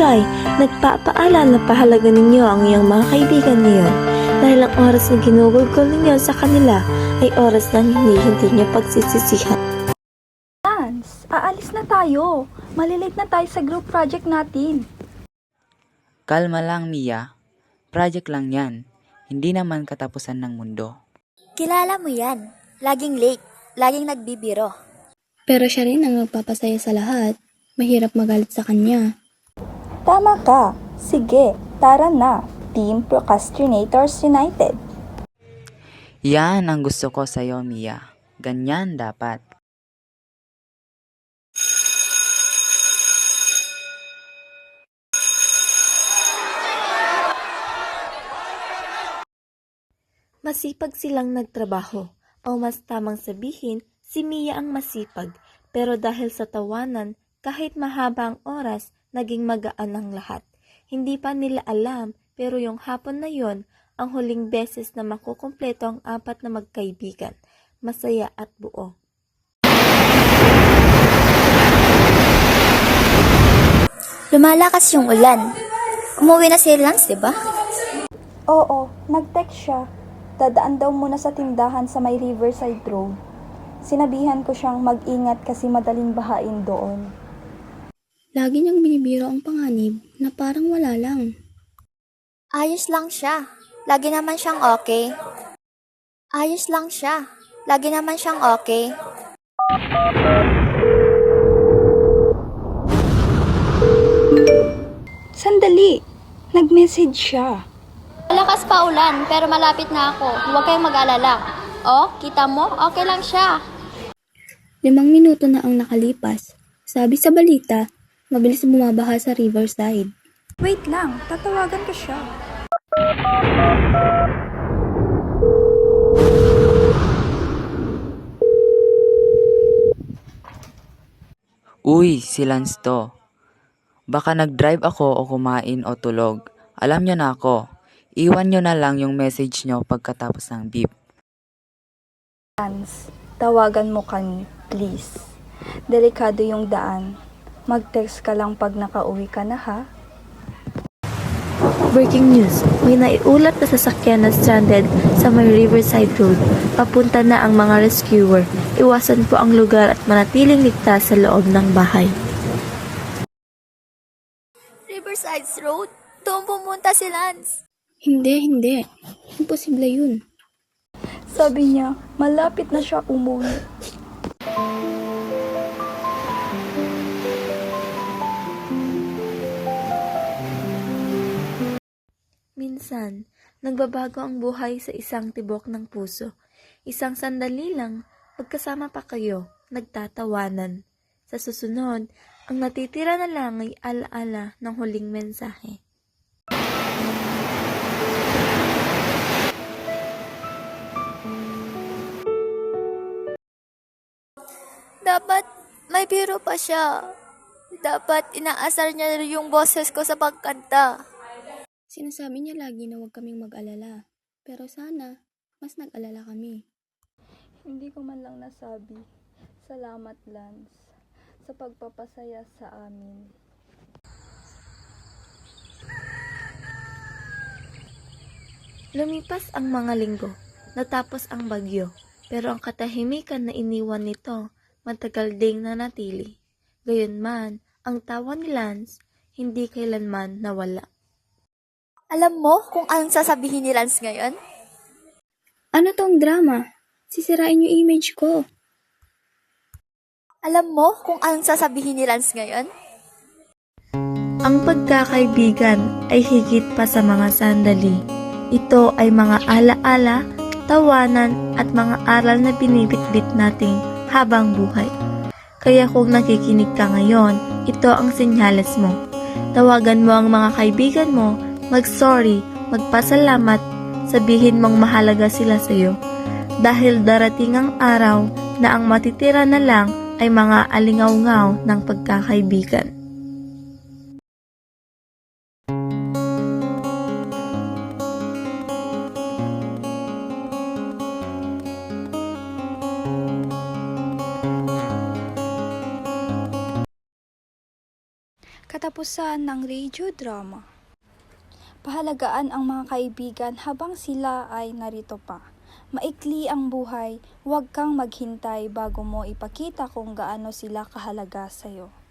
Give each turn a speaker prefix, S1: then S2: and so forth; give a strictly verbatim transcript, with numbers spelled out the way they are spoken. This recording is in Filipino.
S1: Try, nagpapaalala na pahalaga ninyo ang iyong mga kaibigan ngayon dahil ang oras na ginugugol ninyo sa kanila ay oras ng hindi hindi nyo pagsisisihan.
S2: Lance, aalis na tayo. Malilate na tayo sa group project natin.
S3: Kalma lang, Mia. Project lang yan. Hindi naman katapusan ng mundo.
S4: Kilala mo yan. Laging late. Laging nagbibiro.
S5: Pero siya rin ang nagpapasaya sa lahat. Mahirap magalit sa kanya.
S2: Tama ka. Sige, tara na. Team Procrastinators United.
S3: Yan ang gusto ko sa'yo, Mia. Ganyan dapat.
S1: Masipag silang nagtrabaho, o mas tamang sabihin, si Mia ang masipag, pero dahil sa tawanan, kahit mahaba ang oras, naging magaan ang lahat. Hindi pa nila alam, pero yung hapon na yon, ang huling beses na makukumpleto ang apat na magkaibigan, masaya at buo.
S4: Lumalakas yung ulan. Umuwi na si Lance, di ba?
S2: Oo, nag-text siya. Dadaan daw muna sa tindahan sa may Riverside Road. Sinabihan ko siyang mag-ingat kasi madaling bahain doon.
S5: Lagi niyang binibiro ang panganib na parang wala lang.
S4: Ayos lang siya. Lagi naman siyang okay. Ayos lang siya. Lagi naman siyang okay.
S2: Sandali! Nag-message siya.
S6: Malakas pa ulan, pero malapit na ako. Huwag kayong mag-alala. Oh, kita mo? Okay lang siya.
S5: Limang minuto na ang nakalipas. Sabi sa balita, mabilis bumabaha sa Riverside.
S2: Wait lang, tatawagan ko siya.
S3: Uy, si Lance to. Baka nag-drive ako o kumain o tulog. Alam nyo na ako. Iwan nyo na lang yung message nyo pagkatapos ng beep.
S2: Lance, tawagan mo kami, please. Delikado yung daan. Mag-text ka lang pag nakauwi ka na, ha?
S1: Breaking news, may naiulat na sasakyan na stranded sa may Riverside Road. Papunta na ang mga rescuer. Iwasan po ang lugar at manatiling ligtas sa loob ng bahay.
S4: Riverside Road? Doon pumunta si Lance.
S5: Hindi, hindi. Imposible yun.
S2: Sabi niya, malapit na siya umuwi.
S1: Minsan, nagbabago ang buhay sa isang tibok ng puso. Isang sandali lang, magkasama pa kayo, nagtatawanan. Sa susunod, ang natitira na lang ay alaala ng huling mensahe.
S4: Dapat may biro pa siya. Dapat inaasar niya yung boses ko sa pagkanta.
S5: Sinasabi niya lagi na huwag kaming mag-alala. Pero sana, mas nag-alala kami.
S2: Hindi ko man lang nasabi. Salamat, Lance, sa pagpapasaya sa amin.
S1: Lumipas ang mga linggo, natapos ang bagyo, pero ang katahimikan na iniwan nito, matagal ding nanatili. Gayunman, ang tawa ni Lance, hindi kailanman nawala.
S4: Alam mo kung anong sasabihin ni Lance ngayon?
S5: Ano tong drama? Sisirain yung image ko.
S4: Alam mo kung anong sasabihin ni Lance ngayon?
S1: Ang pagkakaibigan ay higit pa sa mga sandali. Ito ay mga alaala, tawanan at mga aral na binibitbit nating habang buhay. Kaya kung nakikinig ka ngayon, ito ang senyales mo. Tawagan mo ang mga kaibigan mo, mag-sorry, magpasalamat, sabihin mong mahalaga sila sa iyo. Dahil darating ang araw na ang matitira na lang ay mga alingaw-ngaw ng pagkakaibigan.
S2: Katapusan ng radio drama. Pahalagaan ang mga kaibigan habang sila ay narito pa. Maikli ang buhay, huwag kang maghintay bago mo ipakita kung gaano sila kahalaga sa'yo.